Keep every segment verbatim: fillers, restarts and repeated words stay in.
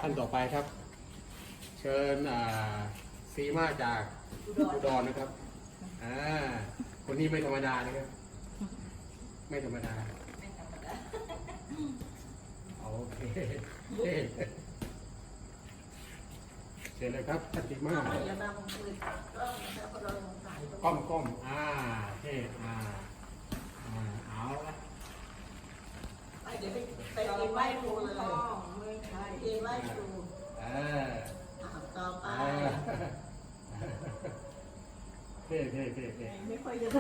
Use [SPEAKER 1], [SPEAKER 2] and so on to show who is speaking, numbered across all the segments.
[SPEAKER 1] ท่านต่อไปครับ เชิญซีมาจากอุดรนะครับอ่าคนนี้ไม่ธรรมดานะครับไม่ธรรมดาโอเคเชิญเลยครับท่านซีมาก้มก้มอ่าเท่อ่าเอาละ
[SPEAKER 2] ไปเดี๋ยวไปไปกินไหว้ครูเลยกินไหว้ครู
[SPEAKER 1] เออ
[SPEAKER 2] ต่อไป
[SPEAKER 1] เท่เท่เท่เท่
[SPEAKER 2] ไม่ค่อยจะ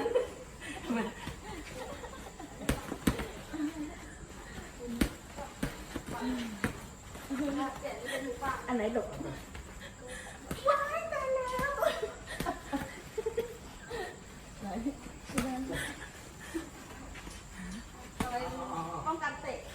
[SPEAKER 2] อันไหนหลบว้ายตายแล้วไหนป้องกันเตะ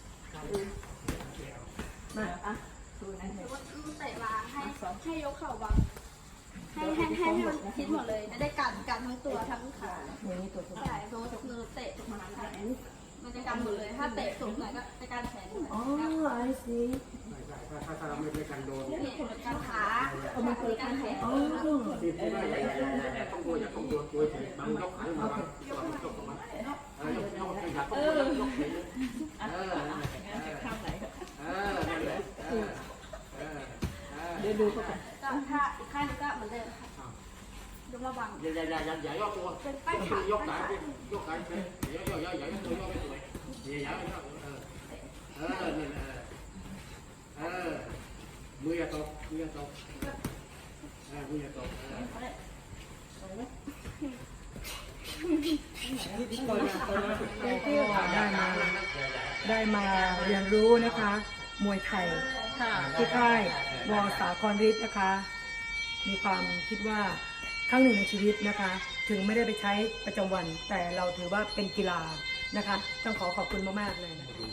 [SPEAKER 2] มาอ่ะดูนะเตะมาให้ให้ยกเข่าบังให้ให้ให้ให้มันคิดหมดเลยจะได้กันกันทั้งตัวทั้งขาใช่เพราะว่ามือเตะตกมาแขนมันจะกันหมดเลยถ้าเตะสูงหน่อยก็จะกันแขนอ๋อไอ้สิ
[SPEAKER 1] ถ้าถ้าถ้าเราไม่ไม่กันโดน
[SPEAKER 2] นี่คนละกันขาเอามาคนละกันแขนอ๋อ
[SPEAKER 1] ที่ที่ว่าอย่าอย่าอย่าอย่าต้องตัวอย่าต้องตัวตัวเฉยมันยกขาขึ้นมาบ้างยกยกมาเออยกยกอย่าต้องตัวยกเฉยเออข้างไหนเออนั่นแหละเออเออ
[SPEAKER 2] เดี๋ยวดูเขาก่อนก็ถ้าอีกข้างนึงก็เหมือนเดิมค่ะยกระวัง
[SPEAKER 1] อย่าอย่าอย่าอย่าอย่ายกตัว
[SPEAKER 2] เป็นป้ายขาย
[SPEAKER 1] กขายกขายอย่ายกอย่าอย่ายกตัวยกไม่สวยอย่าอย่าอย่าเออเออนี่เออเออมืออย่าตกมืออย่าตกเออมืออย่าตก
[SPEAKER 3] ได้มาได้มาเรียนรู้นะคะมวยไทยที่ค่ายวอสาครฤทธิ์นะคะมีความคิดว่าครั้งหนึ่งในชีวิตนะคะถึงไม่ได้ไปใช้ประจำวันแต่เราถือว่าเป็นกีฬานะคะต้องขอขอบคุณมากๆเลยนะคะ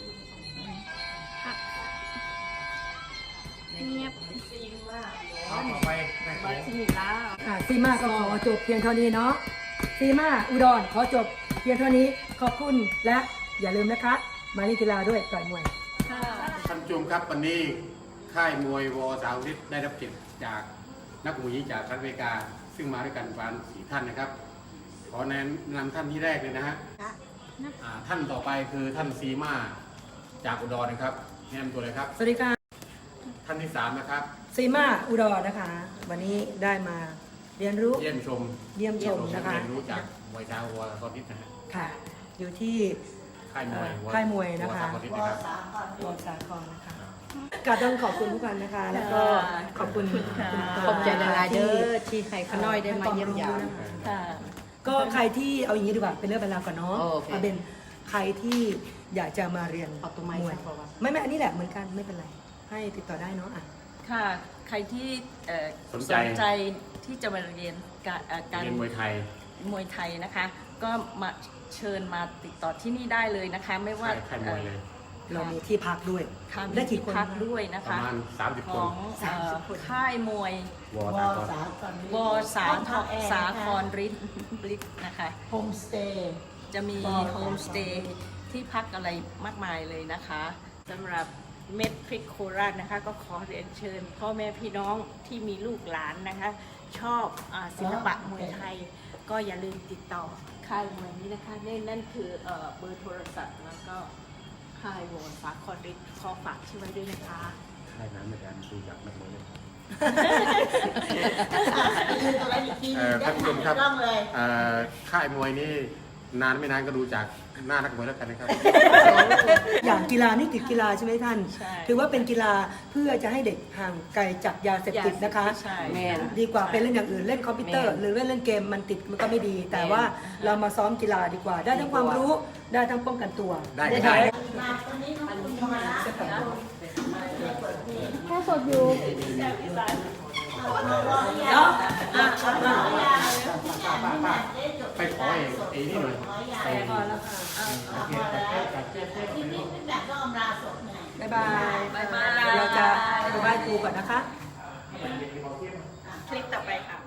[SPEAKER 2] เงียบซีมา
[SPEAKER 1] ต่อไป
[SPEAKER 2] บาซิมิล่า
[SPEAKER 3] ค่ะซีมาก็ขอจบเพียงเท่านี้เนาะซีมาอุดรขอจบเพียงเท่านี้ขอบคุณและอย่าลืมนะคะมาเล่นกีฬาด้วยต่อยมวย
[SPEAKER 1] ท่านผู้ชมครับวันนี้ค่ายมวยวอสาวฤทธิ์ได้รับเกียรติจากนักมวยหญิงจากรัฐอเมริกาซึ่งมาด้วยกันประมาณสี่ท่านนะครับขอแนะนำท่านที่แรกเลยนะฮะท่านต่อไปคือท่านซีมาจากอุดรนะครับแนะนำตัวเลยครับ
[SPEAKER 3] สวัสดีค่ะ
[SPEAKER 1] ท่านที่สามนะครับ
[SPEAKER 3] ซีมาอุดรนะคะวันนี้ได้มาเรียนรู้
[SPEAKER 1] เยี่ยมชม
[SPEAKER 3] เยี่ยมชมนะคะ
[SPEAKER 1] เรียนรู้จากมวยดาววอสาวฤทธิ์นะฮะ
[SPEAKER 3] ค่ะอยู่ที่
[SPEAKER 1] ค่ายมวย
[SPEAKER 3] ค่ายมวยนะคะวอสาครนะคะก็ต้องขอบคุณทุกคนนะคะแล้วก็ขอบคุณ
[SPEAKER 2] ขอบใจหลายๆเด้อที่ใครขน้อยได้มาเยี่ยมยาม
[SPEAKER 3] ก็ใครที่เอาอย่างนี้ดีกว่าเป็นเรื่องเป็นราวก่อนเนาะเอาเป็นใครที่อยากจะมาเรียนมวยไม่ไม่อันนี้แหละเหมือนกันไม่เป็นไรให้ติดต่อได้เนาะอ่ะ
[SPEAKER 4] ค่ะใครที่สนใจที่จะมาเรียนการ
[SPEAKER 1] เรียนมวยไทย
[SPEAKER 4] มวยไทยนะคะก็มาเชิญมาติดต่อที่นี่ได้เลยนะคะไม่ว่า
[SPEAKER 1] ค่ายมวยเลย
[SPEAKER 3] เรามีที่พักด้วย
[SPEAKER 4] ได้ที่พักด้วยนะคะ
[SPEAKER 1] ประมาณสามสิบคน
[SPEAKER 4] ของค่ายมวยวอสาสาครฤทธิ์นะคะ
[SPEAKER 2] โฮมสเตย์
[SPEAKER 4] จะมีโฮมสเตย์ที่พักอะไรมากมายเลยนะคะสำหรับเม็ดพริกโคราชนะคะก็ขอเรียนเชิญพ่อแม่พี่น้องที่มีลูกหลานนะคะชอบศิลปะมวยไทยก็อย่าลืมติดต่อค่ายมวยนี้นะคะนั่นคือเบอร์โทรศัพท์แล้วก็ค่ายวอสาครฤทธิ์ขอฝากชื่อไว้ด้วยนะคะ
[SPEAKER 1] ค่ายนั้นในการดูจากนักมวยเลยท่านผู้ชมครับค่ายมวยนี่นานไม่นานก็ดูจากหน้านักมวยแล้วกันนะครับ
[SPEAKER 3] อย่างกีฬานี่ติดกีฬาใช่ไหมท่านถือว่าเป็นกีฬาเพื่อจะให้เด็กห่างไกลจากยาเสพติดนะคะดีกว่าเป็นเล่นอย่างอื่นเล่นคอมพิวเตอร์หรือเล่นเล่นเกมมันติดมันก็ไม่ดีแต่ว่าเรามาซ้อมกีฬาดีกว่าได้ทั้งความรู้ได้ทั้งป้องกันตัว
[SPEAKER 1] ได้ได้
[SPEAKER 2] แค่สดอยู่
[SPEAKER 1] ไปขอเองไอ้นี่หน่อยไป
[SPEAKER 3] ก่อนแล้วค่ะ
[SPEAKER 2] ทีนี้เป็นแบบก็อมราสดไง
[SPEAKER 3] บ๊ายบายบ๊ายบายเราจะไปไหว้ครูก่อนนะคะ
[SPEAKER 4] คลิปต่อไปค่ะ